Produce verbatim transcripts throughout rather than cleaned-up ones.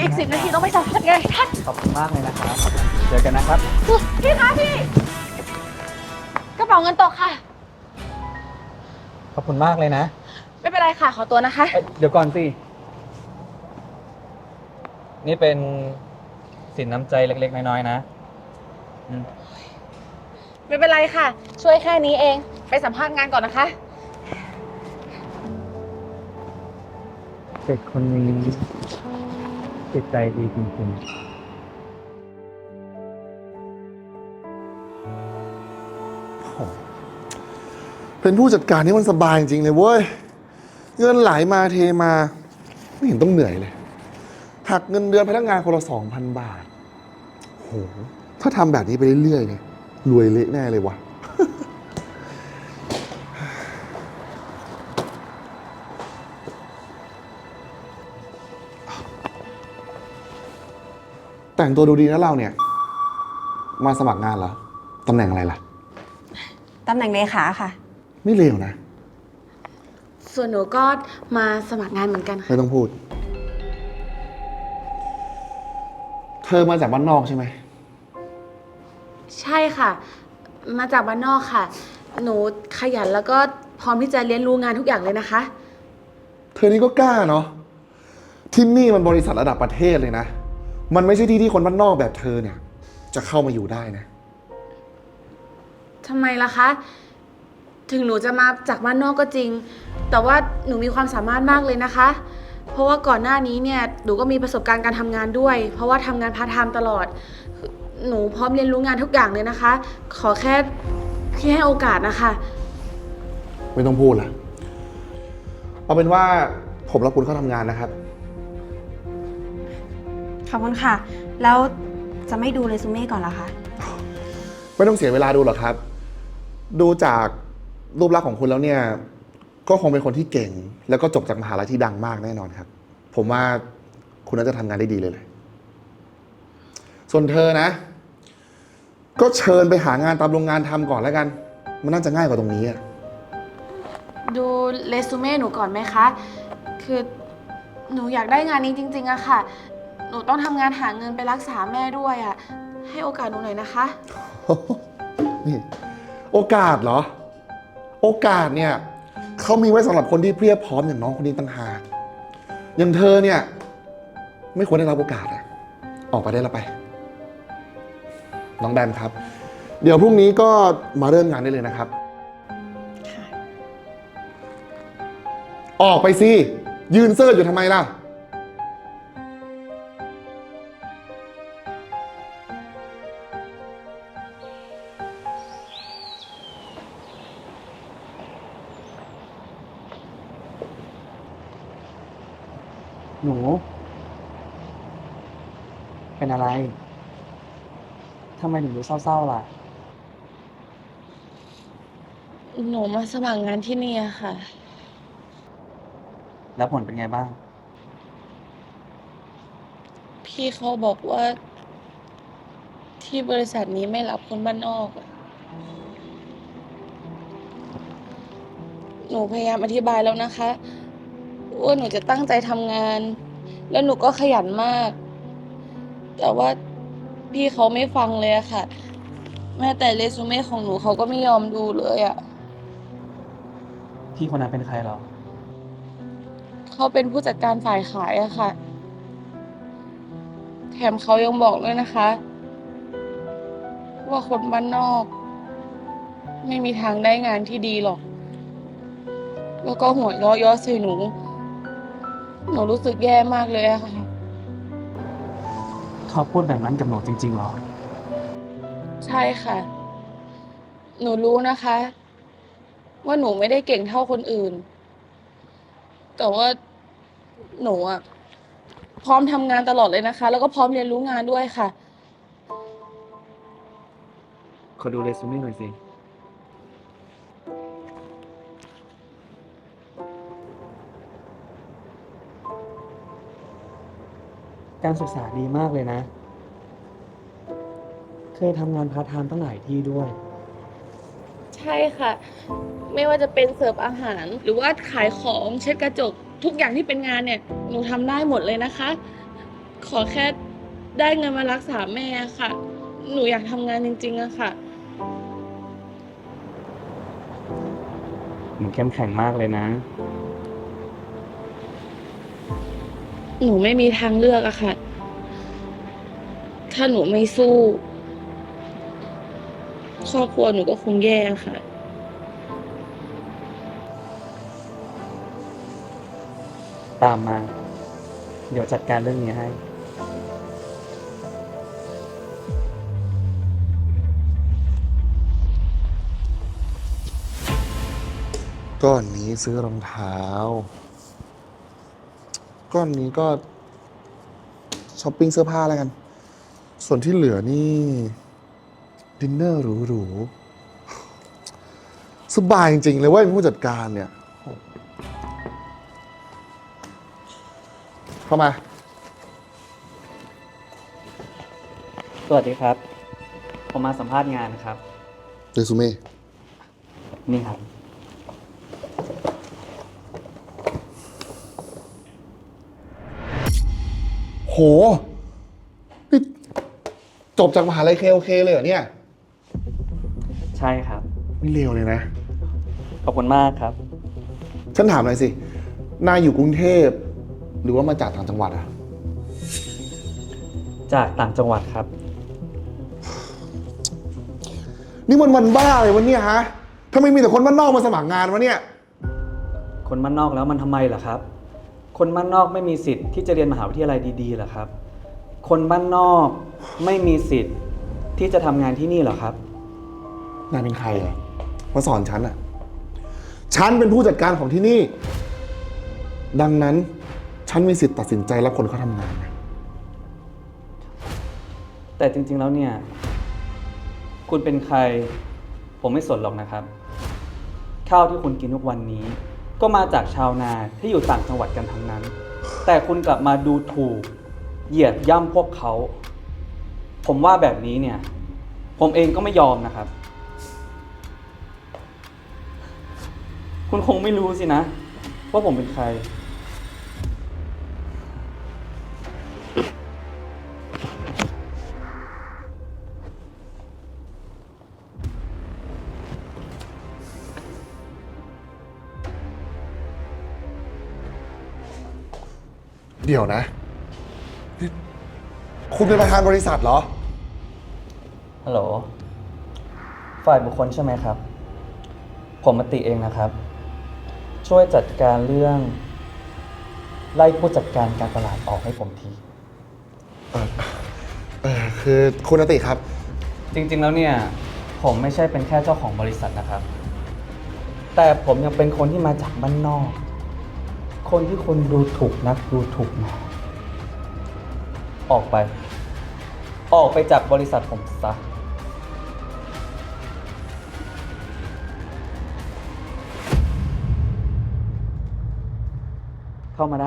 อีกสิบนาทีต้องไปสัมภาษณ์ไงท่านขอบคุณมากเลยนะครับเจอกันนะครับพี่คะพี่กระเป๋าเงินตกค่ะขอบคุณมากเลยนะไม่เป็นไรค่ะขอตัวนะคะเดี๋ยวก่อนสินี่เป็นสินน้ำใจเล็กๆน้อยๆนะไม่เป็นไรค่ะช่วยแค่นี้เองไปสัมภาษณ์งานก่อนนะคะเด็กคนนี้จิตใจดีจริงๆเป็นผู้จัดการนี่มันสบายจริงเลยเว้ยเงินไหลมาเทมาไม่เห็นต้องเหนื่อยเลยหักเงินเดือนพนักงานคนละสองพันบาทโหถ้าทำแบบนี้ไปเรื่อยๆเนี่ยรวยเละแน่เลยวะแต่งตัวดูดีนะเราเนี่ยมาสมัครงานเหรอตำแหน่งอะไรล่ะตำแหน่งเลขาค่ะไม่เลวนะส่วนหนูก็มาสมัครงานเหมือนกันค่ะไม่ต้องพูดเธอมาจากบ้านนอกใช่ไหมใช่ค่ะมาจากบ้านนอกค่ะหนูขยันแล้วก็พร้อมที่จะเรียนรู้งานทุกอย่างเลยนะคะเธอนี่ก็กล้าเนาะที่นี่มันบริษัทระดับประเทศเลยนะมันไม่ใช่ที่ที่คนบ้านนอกแบบเธอเนี่ยจะเข้ามาอยู่ได้นะทำไมล่ะคะถึงหนูจะมาจากบ้านนอกก็จริงแต่ว่าหนูมีความสามารถมากเลยนะคะเพราะว่าก่อนหน้านี้เนี่ยหนูก็มีประสบการณ์การทำงานด้วยเพราะว่าทำงานพาร์ทไทม์ตลอดหนูพร้อมเรียนรู้งานทุกอย่างเลยนะคะขอแค่พี่ให้โอกาสนะคะไม่ต้องพูดละเอาเป็นว่าผมรับคุณเข้าทำงานนะครับขอบคุณค่ะแล้วจะไม่ดูเรซูเม่ก่อนเหรอคะไม่ต้องเสียเวลาดูหรอกครับดูจากรูปลักษณ์ของคุณแล้วเนี่ยก็คงเป็นคนที่เก่งแล้วก็จบจากมหาลัยที่ดังมากแน่นอนครับผมว่าคุณน่าจะทำงานได้ดีเลยเลยส่วนเธอนะก็เชิญไปหางานตามโรงงานทำก่อนแล้วกันมันน่าจะง่ายกว่าตรงนี้อะดูเรซูเม่หนูก่อนไหมคะคือหนูอยากได้งานนี้จริงๆอะค่ะหนูต้องทำงานหาเงินไปรักษาแม่ด้วยอะให้โอกาสหนูหน่อยนะคะนี่โอกาสเหรอโอกาสเนี่ยเขามีไว้สำหรับคนที่เพียบพร้อมอย่างน้องคนนี้ต่างหากอย่างเธอเนี่ยไม่ควรได้รับโอกาสอะออกไปได้แล้วไปน้องแบมครับเดี๋ยวพรุ่งนี้ก็มาเริ่มงานได้เลยนะครับออกไปสิยืนเซ่ออยู่ทำไมล่ะหนูเป็นอะไรทำไมถึงดูเศร้าๆล่ะหนูมาสมัครงานที่นี่ค่ะแล้วผลเป็นไงบ้างพี่เขาบอกว่าที่บริษัทนี้ไม่รับคนบ้านนอกอะหนูพยายามอธิบายแล้วนะคะว่าหนูจะตั้งใจทำงานแล้วหนูก็ขยันมากแต่ว่าพี่เขาไม่ฟังเลยอะค่ะแม้แต่เรซูเม่ของหนูเขาก็ไม่ยอมดูเลยอะพี่คนนั้นเป็นใครหรอเขาเป็นผู้จัดการฝ่ายขายอะค่ะแถมเขายังบอกด้วยนะคะว่าคนบ้านนอกไม่มีทางได้งานที่ดีหรอกแล้วก็หัวเราะเยาะใส่หนูหนูรู้สึกแย่มากเลยอะค่ะเขาพูดแบบนั้นกับหนูจริงๆหรอใช่ค่ะหนูรู้นะคะว่าหนูไม่ได้เก่งเท่าคนอื่นแต่ว่าหนูอะพร้อมทำงานตลอดเลยนะคะแล้วก็พร้อมเรียนรู้งานด้วยค่ะขอดูเรซูเม่หน่อยสิการศึกษาดีมากเลยนะเคยทำงานพาร์ทไทม์ตั้งหลายที่ด้วยใช่ค่ะไม่ว่าจะเป็นเสิร์ฟอาหารหรือว่าขายของเช็ดกระจกทุกอย่างที่เป็นงานเนี่ยหนูทำได้หมดเลยนะคะขอแค่ได้เงินมารักษาแม่ค่ะ หนูอยากทำงานจริงๆอะค่ะหนูเข้มแข็งมากเลยนะหนูไม่มีทางเลือกอะค่ะ ถ้าหนูไม่สู้ครอบครัวหนูก็คงแย่ค่ะตามมา เดี๋ยวจัดการเรื่องนี้ให้ก้อนนี้ซื้อรองเท้า ก้อนนี้ก็ช้อปปิ้งเสื้อผ้าแล้วกัน ส่วนที่เหลือนี่ ดินเนอร์หรูๆ สบายจริง ๆ เลยเว่าเป็นผู้จัดการเนี่ย เข้ามาสวัสดีครับ ผมมาสัมภาษณ์งานครับเรซูเม่นี่ครับโห นี่จบจากมหาลัยเคโอเคเลยเหรอเนี่ยใช่ครับไม่เลวเลยนะขอบคุณมากครับฉันถามหน่อยสิ นายอยู่กรุงเทพ หรือว่ามาจากต่างจังหวัดอะจากต่างจังหวัดครับนี่มันวันบ้าเลยวะเนี่ยฮะทำไมมีแต่คนบ้านนอกมาสมัครงานวะเนี่ยคนบ้านนอกแล้วมันทำไมล่ะครับ คนบ้านนอกไม่มีสิทธิ์ที่จะเรียนมหาวิทยาลัยดีๆเหรอครับ คนบ้านนอกไม่มีสิทธิ์ที่จะทำงานที่นี่เหรอครับนายเป็นใครอะมาสอนฉันอะฉันเป็นผู้จัดการของที่นี่ ดังนั้น ฉันมีสิทธิ์ตัดสินใจรับคนเขาทำงานนะแต่จริงๆแล้วเนี่ย คุณเป็นใคร ผมไม่สนหรอกนะครับ ข้าวที่คุณกินทุกวันนี้ ก็มาจากชาวนาที่อยู่ต่างจังหวัดกันทั้งนั้น แต่คุณกลับมาดูถูก เหยียดย่ำพวกเขา ผมว่าแบบนี้เนี่ย ผมเองก็ไม่ยอมนะครับ คุณคงไม่รู้สินะ ว่าผมเป็นใครเดี๋ยวนะนี่คุณเป็นประธานบริษัทเหรอฮัลโหล ฝ่ายบุคคลใช่ไหมครับ ผมมติเองนะครับ ช่วยจัดการเรื่อง ไล่ผู้จัดการการตลาดออกให้ผมทีเออเออคือคุณอติครับจริงๆแล้วเนี่ย ผมไม่ใช่เป็นแค่เจ้าของบริษัทนะครับ แต่ผมยังเป็นคนที่มาจากบ้านนอก คนที่คุณดูถูกนักดูถูกหนาออกไป ออกไปจากบริษัทผมซะ เข้ามาได้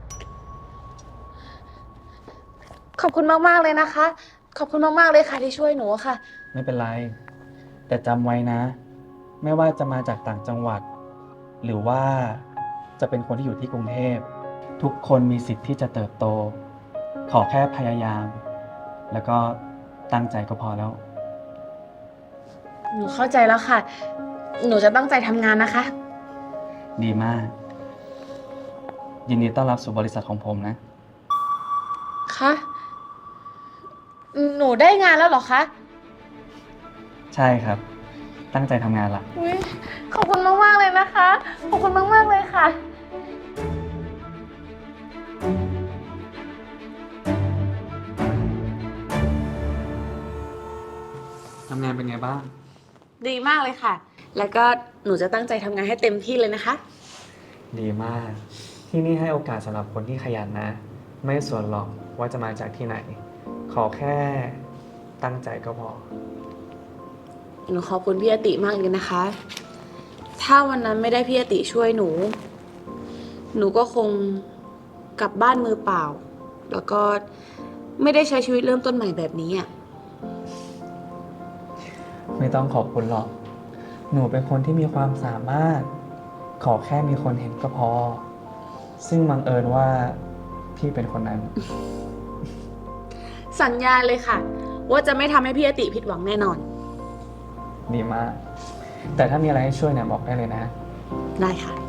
ขอบคุณมากๆเลยนะคะ ขอบคุณมากๆเลยค่ะที่ช่วยหนูอะค่ะไม่เป็นไร แต่จำไว้นะ ไม่ว่าจะมาจากต่างจังหวัด หรือว่าจะเป็นคนที่อยู่ที่กรุงเทพ ทุกคนมีสิทธิ์ที่จะเติบโต ขอแค่พยายาม แล้วก็ตั้งใจก็พอแล้วหนูเข้าใจแล้วค่ะ หนูจะตั้งใจทำงานนะคะดีมาก ยินดีต้อนรับสู่บริษัทของผมนะคะ หนูได้งานแล้วเหรอคะใช่ครับ ตั้งใจทำงานละอุ๊ยขอบคุณมากๆเลยนะคะ ขอบคุณมากๆเลยค่ะทำงานเป็นไงบ้างดีมากเลยค่ะ แล้วก็หนูจะตั้งใจทำงานให้เต็มที่เลยนะคะดีมาก ที่นี่ให้โอกาสสำหรับคนที่ขยันนะ ไม่สนหรอกว่าจะมาจากที่ไหน ขอแค่ตั้งใจก็พอหนูขอบคุณพี่อติมากเลยนะคะ ถ้าวันนั้นไม่ได้พี่อติช่วยหนู หนูก็คงกลับบ้านมือเปล่า แล้วก็ไม่ได้ใช้ชีวิตเริ่มต้นใหม่แบบนี้อ่ะไม่ต้องขอบคุณหรอก หนูเป็นคนที่มีความสามารถ ขอแค่มีคนเห็นก็พอ ซึ่งบังเอิญว่าพี่เป็นคนนั้นสัญญาเลยค่ะ ว่าจะไม่ทำให้พี่อติผิดหวังแน่นอนดีมาก แต่ถ้ามีอะไรให้ช่วยเนี่ยบอกได้เลยนะได้ค่ะ